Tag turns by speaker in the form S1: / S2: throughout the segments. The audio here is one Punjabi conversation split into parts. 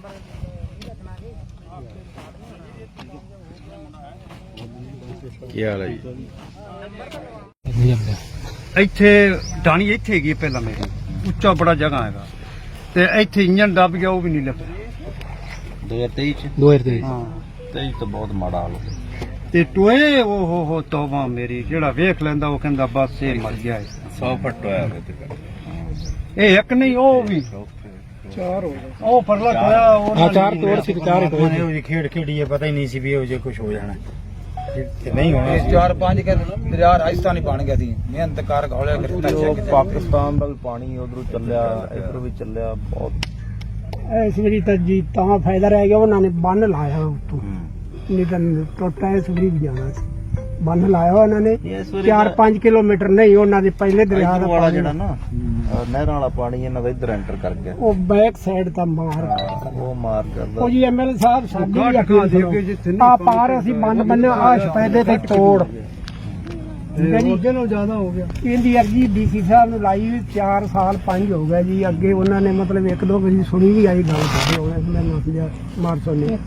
S1: ਕੀ ਹਾਲ ਹੈ ਜੀ?
S2: ਇੱਥੇ ਢਾਣੀ ਇੱਥੇ ਹੈਗੀ ਪਹਿਲਾਂ ਮੇਰੀ, ਉੱਚਾ ਬੜਾ ਜਗ੍ਹਾ ਹੈਗਾ ਤੇ ਇੱਥੇ ਇੰਜਨ ਦੱਬ ਗਿਆ, ਉਹ ਵੀ ਨਹੀਂ ਲੱਭਿਆ
S1: 2023 ਚ
S3: 2023
S2: ਹਾਂ।
S1: 23 ਤਾਂ ਬਹੁਤ ਮਾੜਾ ਹਾਲ ਹੋ ਗਿਆ।
S2: ਤੇ ਟੋਏ ਉਹ ਹੋ ਤੋਬਾ ਮੇਰੀ, ਜਿਹੜਾ ਵੇਖ ਲੈਂਦਾ ਉਹ ਕਹਿੰਦਾ ਬਸ ਇਹ ਮਰ ਗਿਆ ਹੈ।
S1: 100 ਫੁੱਟ ਹੋਇਆ ਹੋਵੇ ਤੇ
S2: ਇਹ ਇੱਕ ਨਹੀਂ, ਉਹ ਵੀ ਚਾਰ ਹੋ ਗਏ। ਉਹ ਪਰਲਾ ਟੋਇਆ ਉਹ
S3: ਚਾਰ ਤੋੜ ਸੀ, ਚਾਰ ਹੀ ਟੋਏ
S4: ਉਹ ਖੇਡ ਖੇਡੀ ਹੈ, ਪਤਾ ਹੀ ਨਹੀਂ ਸੀ ਵੀ ਇਹੋ ਜਿਹਾ ਕੁਝ ਹੋ ਜਾਣਾ ਤੇ ਨਹੀਂ ਹੋਣਾ।
S5: 4-5 ਕੇ ਦਰਿਆ ਰਾਜਸਥਾਨੀ ਬਣ ਗਿਆ ਸੀ, ਮਿਹਨਤ ਕਰ ਘੋਲਿਆ
S1: ਉਹ ਪਾਕਿਸਤਾਨ ਦਾ ਵੀ ਪਾਣੀ ਉਧਰੋਂ ਚੱਲਿਆ, ਇਧਰੋਂ ਵੀ ਚੱਲਿਆ ਬਹੁਤ।
S3: ਇਸ ਵਾਰੀ ਤਾਂ ਜੀ ਤਾਂ ਫਾਇਦਾ ਰਹਿ ਗਿਆ, ਉਹਨਾਂ ਨੇ ਬੰਨ ਲਾਇਆ ਉੱਤੋਂ, ਨਹੀਂ ਤਾਂ ਟੋਟਾ ਇਸ ਵਾਰੀ ਵੀ ਜਾਣਾ ਸੀ। ਬੰਨ ਲਾਇਆ ਉਹਨਾਂ ਨੇ 4-5 ਕਿਲੋਮੀਟਰ ਨਹੀਂ, ਉਹਨਾਂ ਦੇ ਪਹਿਲੇ ਦਰਿਆ ਦਾ
S1: ਵਾਲਾ ਜਿਹੜਾ ਨਾ ਨਹਿਰਾਂ ਵਾਲਾ ਪਾਣੀ ਇਹਨਾਂ ਦਾ ਇੱਧਰ ਐਂਟਰ ਕਰ ਗਿਆ,
S3: ਉਹ ਬੈਕ ਸਾਈਡ ਤਾਂ ਮਾਰ
S1: ਉਹ ਮਾਰ ਕਰਦਾ।
S3: ਉਹ ਜੀ ਐਮਐਲ ਸਾਹਿਬ ਸਾਡੀ ਵੀ ਅੱਖਾਂ ਆ ਪਾਰ ਅਸੀਂ ਬੰਨ ਬੰਨਿਆ, ਆ ਸਪੈਦੇ ਤੇ ਤੋੜ
S2: ਅੱਗੇ ਨਾਲੋਂ ਜ਼ਿਆਦਾ ਹੋ ਗਿਆ।
S3: ਇਹਦੀ ਅਰਜੀ ਡੀਸੀ ਸਾਹਿਬ ਨੂੰ ਲਾਈ 4 ਸਾਲ 5 ਹੋ ਗਏ ਜੀ। ਅੱਗੇ ਉਹਨਾਂ ਨੇ ਮਤਲਬ 1-2 ਵਾਰੀ ਸੁਣੀ ਵੀ ਆਈ ਗੱਲ ਕਰਦੇ ਹੋਣੇ, ਮੈਨੂੰ ਸਮਝਿਆ ਮਾਰਸੋ ਨੇ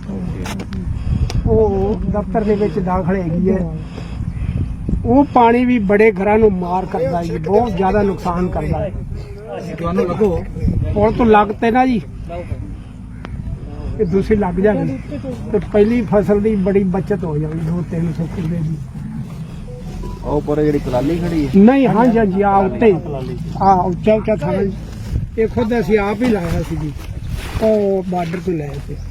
S3: ਉਹ ਦਫ਼ਤਰ ਦੇ ਵਿੱਚ ਦਾਖਲ ਹੈਗੀ ਹੈ। ਉਹ ਪਾਣੀ ਵੀ ਬੜੇ ਘਰਾਂ ਨੂੰ ਮਾਰ ਕਰਦਾ ਜੀ, ਬਹੁਤ ਜ਼ਿਆਦਾ ਨੁਕਸਾਨ ਕਰਦਾ ਹੈ।
S5: ਤੁਹਾਨੂੰ ਲੱਗੋ
S3: ਪੁਲ ਤੋਂ ਲੱਗ ਤੇ ਨਾ ਜੀ ਇਹ ਦੂਸਰੀ ਲੱਗ ਜਾਣੀ ਤੇ ਪਹਿਲੀ ਫਸਲ ਦੀ ਬੜੀ ਬਚਤ ਹੋ ਜਾਣੀ, 200-300 ਕਿੱਲੇ ਦੀ।
S1: ਉਹ ਪਰ ਜਿਹੜੀ ਕਲਾਲੀ ਖੜੀ ਹੈ
S3: ਨਹੀਂ ਹਾਂਜੀ ਹਾਂਜੀ ਆ ਉੱਤੇ ਆ ਉੱਚਾ ਥਾਂ ਇਹ ਖੁਦ ਅਸੀਂ ਆਪ ਹੀ ਲਾਇਆ ਸੀ ਜੀ, ਉਹ ਬਾਰਡਰ ਤੋਂ ਲਾਇਆ ਸੀ।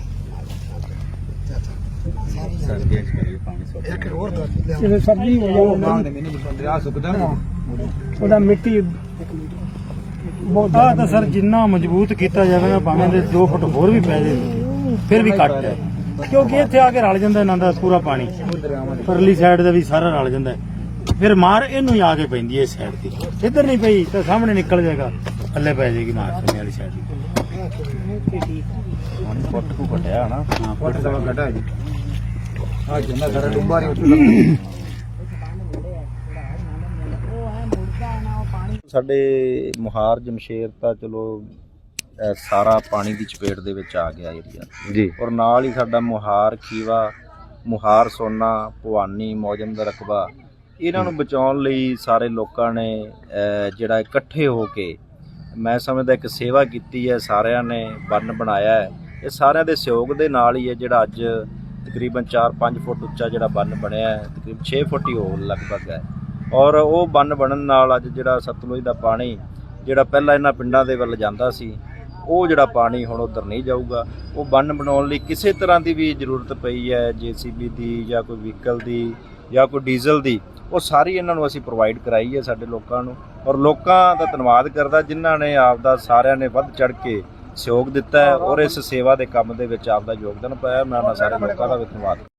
S1: ਸਰਦੀਆਂ ਚ ਕਰੀਏ ਪਾਣੀ ਸੁੱਕ
S3: ਜਿਵੇਂ ਸਬਜ਼ੀ ਹੋ ਜਾਵੇ
S5: ਦਰਿਆ ਸੁੱਕਦਾ ਨਾ,
S3: ਉਹਦਾ ਮਿੱਟੀ ਬਹੁਤ
S4: ਆਹ ਤਾਂ ਸਰ ਜਿੰਨਾ ਮਜ਼ਬੂਤ ਕੀਤਾ ਜਾਵੇ ਨਾ, ਭਾਵੇਂ ਦੇ 2 ਫੁੱਟ ਹੋਰ ਵੀ ਪੈ ਜਾਵੇ ਫਿਰ ਵੀ ਘੱਟ ਹੈ, ਕਿਉਂਕਿ ਇੱਥੇ ਆ ਕੇ ਰਲ ਜਾਂਦਾ ਇਹਨਾਂ ਦਾ ਪੂਰਾ ਪਾਣੀ, ਪਰਲੀ ਸਾਈਡ ਦਾ ਵੀ ਸਾਰਾ ਰਲ ਜਾਂਦਾ ਹੈ। ਫਿਰ ਮਾਰ ਇਹਨੂੰ ਹੀ ਆ ਕੇ ਪੈਂਦੀ ਹੈ ਇਸ ਸਾਈਡ ਤੇ, ਇੱਧਰ ਨਹੀਂ ਪਈ ਤਾਂ ਸਾਹਮਣੇ ਨਿਕਲ ਜਾਏਗਾ, ਥੱਲੇ ਪੈ ਜਾਏਗੀ ਮਾਰ ਸਾਹਮਣੇ ਵਾਲੀ ਸਾਈਡ ਦੀ।
S1: ਹੁਣ ਫੁੱਟ ਕੋ ਘਟਿਆ ਨਾ,
S5: ਹਾਂ ਫੁੱਟ ਦਾ ਘਟਾ ਜੀ। ਆ ਜਿੰਨਾ ਸਾਰਾ ਡੁੱਬਾ ਨਹੀਂ ਉੱਠਦਾ।
S1: ਸਾਡੇ ਮੁਹਾਰ ਜਮਸ਼ੇਰ ਤਾਂ ਚਲੋ ਸਾਰਾ ਪਾਣੀ ਦੀ ਚਪੇਟ ਦੇ ਵਿੱਚ ਆ ਗਿਆ ਏਰੀਆ ਜੀ, ਔਰ ਨਾਲ ਹੀ ਸਾਡਾ ਮੁਹਾਰ ਖੀਵਾ, ਮੁਹਾਰ ਸੋਨਾ, ਭਵਾਨੀ, ਮੌਜਮ ਦਾ ਰਕਬਾ, ਇਹਨਾਂ ਨੂੰ ਬਚਾਉਣ ਲਈ ਸਾਰੇ ਲੋਕਾਂ ਨੇ ਜਿਹੜਾ ਇਕੱਠੇ ਹੋ ਕੇ ਮੈਂ ਸਮਝਦਾ ਇੱਕ ਸੇਵਾ ਕੀਤੀ ਹੈ। ਸਾਰਿਆਂ ਨੇ ਬੰਨ ਬਣਾਇਆ ਹੈ, ਇਹ ਸਾਰਿਆਂ ਦੇ ਸਹਿਯੋਗ ਦੇ ਨਾਲ ਹੀ ਹੈ ਜਿਹੜਾ ਅੱਜ ਤਕਰੀਬਨ 4-5 ਫੁੱਟ ਉੱਚਾ ਜਿਹੜਾ ਬੰਨ ਬਣਿਆ ਹੈ, ਤਕਰੀਬਨ 6 ਫੁੱਟ ਹੀ ਹੋ ਲਗਭਗ ਹੈ। ਔਰ ਉਹ ਬੰਨ ਬਣਨ ਨਾਲ ਅੱਜ ਜਿਹੜਾ ਸਤਲੁਜ ਦਾ ਪਾਣੀ ਜਿਹੜਾ ਪਹਿਲਾਂ ਇਹਨਾਂ ਪਿੰਡਾਂ ਦੇ ਵੱਲ ਜਾਂਦਾ ਸੀ, ਉਹ ਜਿਹੜਾ ਪਾਣੀ ਹੁਣ ਉੱਧਰ ਨਹੀਂ ਜਾਊਗਾ। ਉਹ ਬੰਨ ਬਣਾਉਣ ਲਈ ਕਿਸੇ ਤਰ੍ਹਾਂ ਦੀ ਵੀ ਜ਼ਰੂਰਤ ਪਈ ਹੈ, JCB ਦੀ ਜਾਂ ਕੋਈ ਵਹੀਕਲ ਦੀ ਜਾਂ ਕੋਈ ਡੀਜ਼ਲ ਦੀ, ਉਹ ਸਾਰੀ ਇਹਨਾਂ ਨੂੰ ਅਸੀਂ ਪ੍ਰੋਵਾਈਡ ਕਰਾਈ ਹੈ ਸਾਡੇ ਲੋਕਾਂ ਨੂੰ। ਔਰ ਲੋਕਾਂ ਦਾ ਧੰਨਵਾਦ ਕਰਦਾ ਜਿਨ੍ਹਾਂ ਨੇ ਆਪਦਾ ਸਾਰਿਆਂ ਨੇ ਵੱਧ ਚੜ੍ਹ ਕੇ ਸਹਿਯੋਗ ਦਿੱਤਾ ਹੈ ਔਰ ਇਸ ਸੇਵਾ ਦੇ ਕੰਮ ਦੇ ਵਿੱਚ ਆਪਦਾ ਯੋਗਦਾਨ ਪਾਇਆ। ਮੈਂ ਉਹਨਾਂ ਸਾਰੇ ਲੋਕਾਂ ਦਾ ਵੀ ਧੰਨਵਾਦ